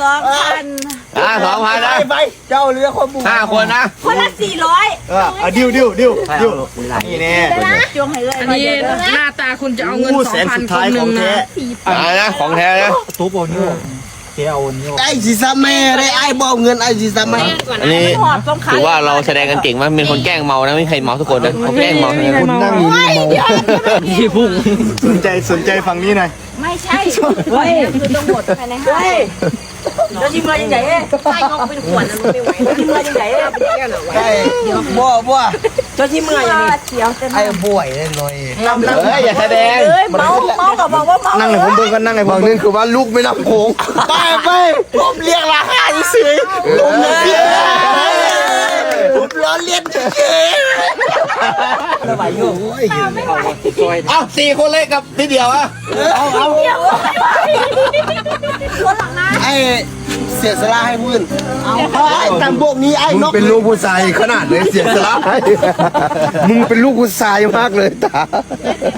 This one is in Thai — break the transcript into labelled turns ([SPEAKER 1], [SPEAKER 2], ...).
[SPEAKER 1] 2,000
[SPEAKER 2] 2,000นะ
[SPEAKER 3] ไปเจ้าเรือคนบุก
[SPEAKER 2] 5 คนนะ
[SPEAKER 1] คนละ400
[SPEAKER 3] ดิวนี่แน่
[SPEAKER 1] จวงให้เลย
[SPEAKER 4] อันนี้หน้าตาคุณจะเอาเงิน
[SPEAKER 3] แสน
[SPEAKER 4] 2,000
[SPEAKER 3] สุด
[SPEAKER 4] ค
[SPEAKER 3] ท้าย
[SPEAKER 4] นห
[SPEAKER 3] ข
[SPEAKER 4] นึ่
[SPEAKER 3] อง ง
[SPEAKER 4] นะ
[SPEAKER 3] แท้
[SPEAKER 2] นะของแท้นะ
[SPEAKER 3] ตัวบอลนี่แกเอานี่ไอ้ซีซ่าแม่ได้ไอ้บอกเงินไอ้ซีซ่าแม่
[SPEAKER 2] อันนี้ถือว่าเราแสดงกันเก่งมากเป็นคนแกล้งเมานะไม่มีใครเมาทุกคนนะเขาแกล้งเมาทั้งนั้น
[SPEAKER 3] คุณนั่งอยู่นี่เมา
[SPEAKER 4] ที่พุ่ง
[SPEAKER 3] สนใจฝั่งนี้หน่อย
[SPEAKER 1] ไม่ใช่เฮ้ยคือต้องหมดภายใน5แล้วที่เมื่อยังไงใช่งอกเป็นขวดนะไม่ไหวแล้วที่เมื่อยังไง
[SPEAKER 3] ไอ้บัว
[SPEAKER 1] เจ้าที่เมื่อยังไง
[SPEAKER 3] ไอ้บ่วยเลยหน่อย
[SPEAKER 2] อย่าแสดง
[SPEAKER 1] เมากับบอกว่าเมา
[SPEAKER 3] นั่งให้ผมเบิ่งกันนั่งให้ผมนึงคือว่าลูกไม่รับโค้งไปผมเรียกราคาเฉยผมเรียกผมล้อเลียนเฉยสบายอยู่
[SPEAKER 2] เอา4 คนเลยกับทีเดียวอ่ะ
[SPEAKER 3] เอาไอ้เสียสละให้พื้นไอ้ตามพวกนี้ไอ้นกเป็นลูกผู้ชายขนาดเลยเสียสละมึงเป็นลูกผู้ชายมากเลยตา